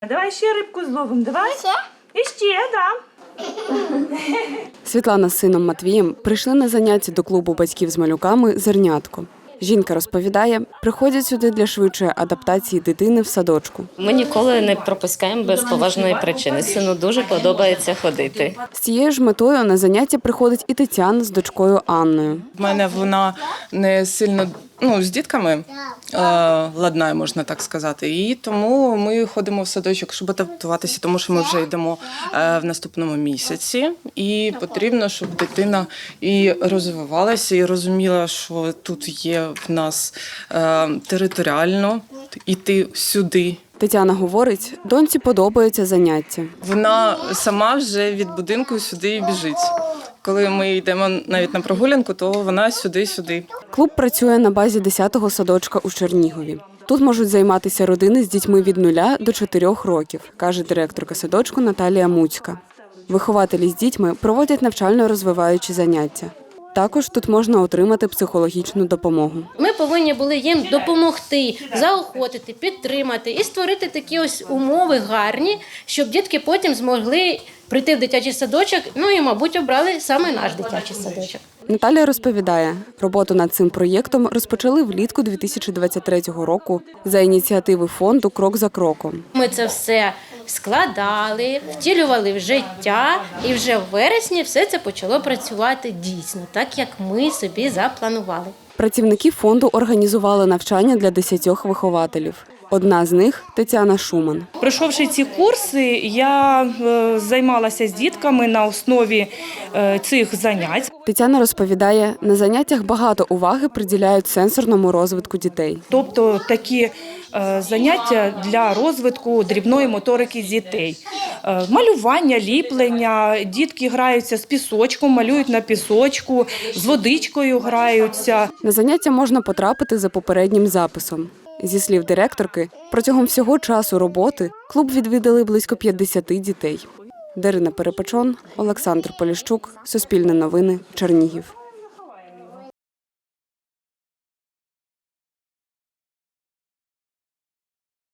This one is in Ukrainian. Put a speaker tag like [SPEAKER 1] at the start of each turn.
[SPEAKER 1] Давай ще рибку зловимо, давай.
[SPEAKER 2] Ще?
[SPEAKER 1] І ще, да.
[SPEAKER 3] Світлана з сином Матвієм прийшли на заняття до клубу батьків з малюками «Зернятко». Жінка розповідає, приходять сюди для швидшої адаптації дитини в садочку.
[SPEAKER 4] Ми ніколи не пропускаємо без поважної причини. Сину дуже подобається ходити.
[SPEAKER 3] З цією ж метою на заняття приходить і Тетяна з дочкою Анною.
[SPEAKER 5] В мене вона не сильно з дітками ладнає, можна так сказати. І тому ми ходимо в садочок, щоб адаптуватися, тому що ми вже йдемо в наступному місяці. І потрібно, щоб дитина і розвивалася, і розуміла, що тут є в нас територіально йти сюди.
[SPEAKER 3] Тетяна говорить, доньці подобається заняття.
[SPEAKER 5] Вона сама вже від будинку сюди і біжить. Коли ми йдемо навіть на прогулянку, то вона сюди-сюди.
[SPEAKER 3] Клуб працює на базі 10-го садочка у Чернігові. Тут можуть займатися родини з дітьми від 0 до 4 років, каже директорка садочку Наталія Муцька. Вихователі з дітьми проводять навчально-розвиваючі заняття. Також тут можна отримати психологічну допомогу.
[SPEAKER 6] Ми повинні були їм допомогти, заохотити, підтримати і створити такі ось умови гарні, щоб дітки потім змогли прийти в дитячий садочок, і, мабуть, обрали саме наш дитячий садочок.
[SPEAKER 3] Наталія розповідає, роботу над цим проєктом розпочали влітку 2023 року за ініціативи фонду «Крок за кроком».
[SPEAKER 6] Ми це все складали, втілювали в життя, і вже в вересні все це почало працювати дійсно, так як ми собі запланували.
[SPEAKER 3] Працівники фонду організували навчання для 10 вихователів. Одна з них – Тетяна Шуман.
[SPEAKER 1] Пройшовши ці курси, я займалася з дітками на основі цих занять.
[SPEAKER 3] Тетяна розповідає, на заняттях багато уваги приділяють сенсорному розвитку дітей.
[SPEAKER 1] Тобто такі заняття для розвитку дрібної моторики дітей. Малювання, ліплення, дітки граються з пісочком, малюють на пісочку, з водичкою граються.
[SPEAKER 3] На заняття можна потрапити за попереднім записом. Зі слів директорки, протягом всього часу роботи клуб відвідали близько 50 дітей. Дарина Перепечон, Олександр Поліщук, Суспільне новини, Чернігів.